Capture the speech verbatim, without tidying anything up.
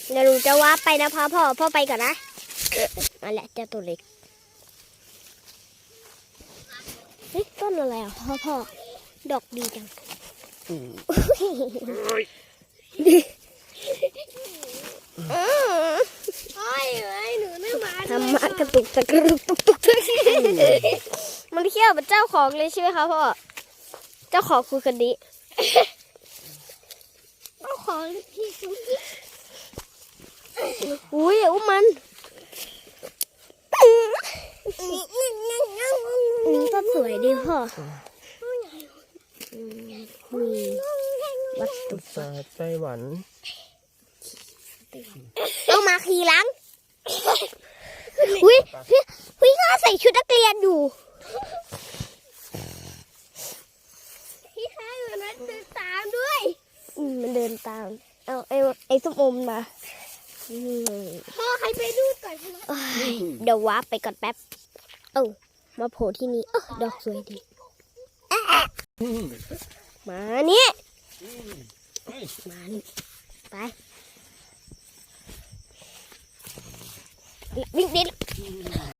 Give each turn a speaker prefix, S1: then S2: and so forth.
S1: เดี๋ยวหนูจะวาร์ปไปนะพ่อพ่อพ่อไปก่อนนะมาแหละเจ้าตัวเล็กเฮ้ยต้นอะไรอ่ะพ่อพ่อดอกดีจังทำมากระตุกตะกรุกตุกตุกมันเขี้ยวเป็นเจ้าของเลยใช่ไหมคะพ่อเจ้าของคือคนนี้เจ้าของพี่คุณอุ้ยอุ้มมันนี่ก็สวยดีพ่อมีวัตถุ
S2: สาไต้หวัน
S1: ต้องมาขี่หลังอุ้ยพี่พี่ข้าใส่ชุดนักเรียนอยู่พี่ข้าอยู่นั้นเดินตามด้วยอืมมันเดินตามเอาไอ้ไอ้ส้มอมมาพ่อใครไปดูก่อนเดี๋ยววาร์ปไปก่อนแป๊บเอ้ามาโผล่ที่นี่เออดอกสวยดีมานี่มานี่ไปวิ่งดิ